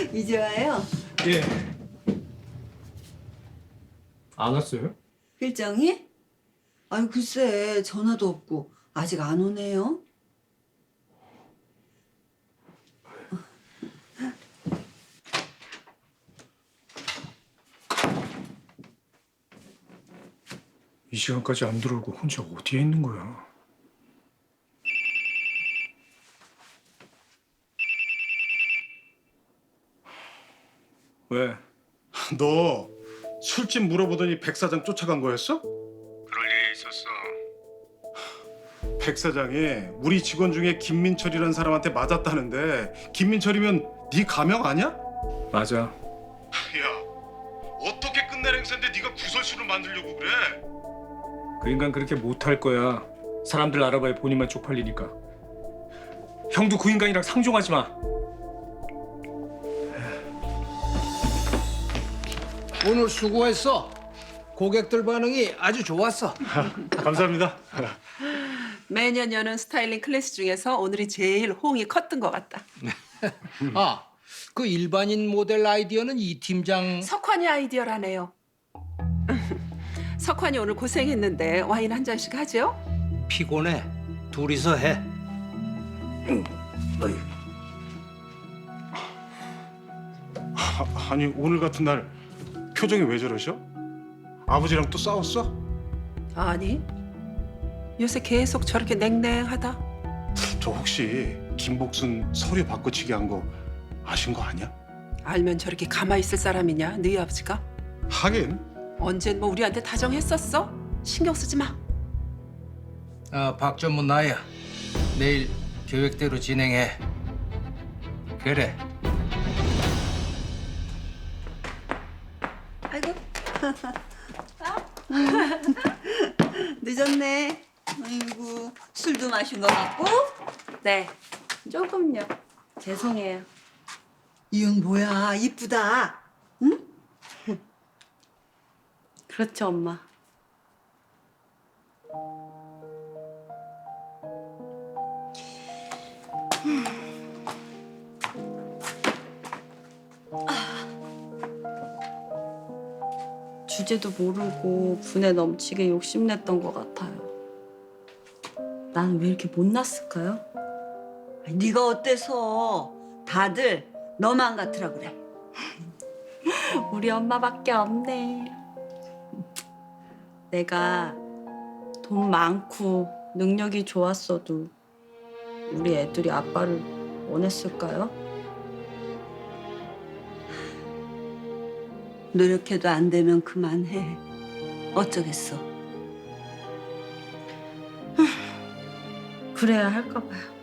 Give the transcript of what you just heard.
이제 와요? 예. 안 왔어요? 필장이? 아니 글쎄 전화도 없고 아직 안 오네요. 이 시간까지 안 들어오고 혼자 어디에 있는 거야? 왜? 너 술집 물어보더니 백 사장 쫓아간 거였어? 그럴 일이 있었어. 백 사장이 우리 직원 중에 김민철이라는 사람한테 맞았다는데 김민철이면 네 가명 아니야? 맞아. 야, 어떻게 끝낼 행사인데 네가 구설수를 만들려고 그래? 그 인간 그렇게 못할 거야. 사람들 알아봐야 본인만 쪽팔리니까. 형도 그 인간이랑 상종하지 마. 오늘 수고했어. 고객들 반응이 아주 좋았어. 감사합니다. 매년 여는 스타일링 클래스 중에서 오늘이 제일 호응이 컸던 것 같다. 아, 그 일반인 모델 아이디어는 이 팀장. 석환이 아이디어라네요. 석환이 오늘 고생했는데 와인 한 잔씩 하죠? 피곤해. 둘이서 해. 아니 오늘 같은 날 표정이 왜 저러셔? 아버지랑 또 싸웠어? 아니, 요새 계속 저렇게 냉랭하다. 저 혹시 김복순 서류 바꿔치기 한 거 아신 거 아니야? 알면 저렇게 가만히 있을 사람이냐, 너희 아버지가? 하긴 언젠 뭐 우리한테 다정했었어? 신경 쓰지 마. 아, 박전문 나야. 내일 계획대로 진행해. 그래. 아이고. 늦었네. 아이고 술도 마신 거 같고. 네, 조금요. 죄송해요. 이은 뭐야 이쁘다. 그렇죠, 엄마. 주제도 모르고 분에 넘치게 욕심냈던 것 같아요. 나는 왜 이렇게 못났을까요? 아니, 네가 어때서 다들 너만 같으라 그래. 우리 엄마밖에 없네. 내가 돈 많고 능력이 좋았어도 우리 애들이 아빠를 원했을까요? 노력해도 안 되면 그만해. 어쩌겠어. 그래야 할까 봐요.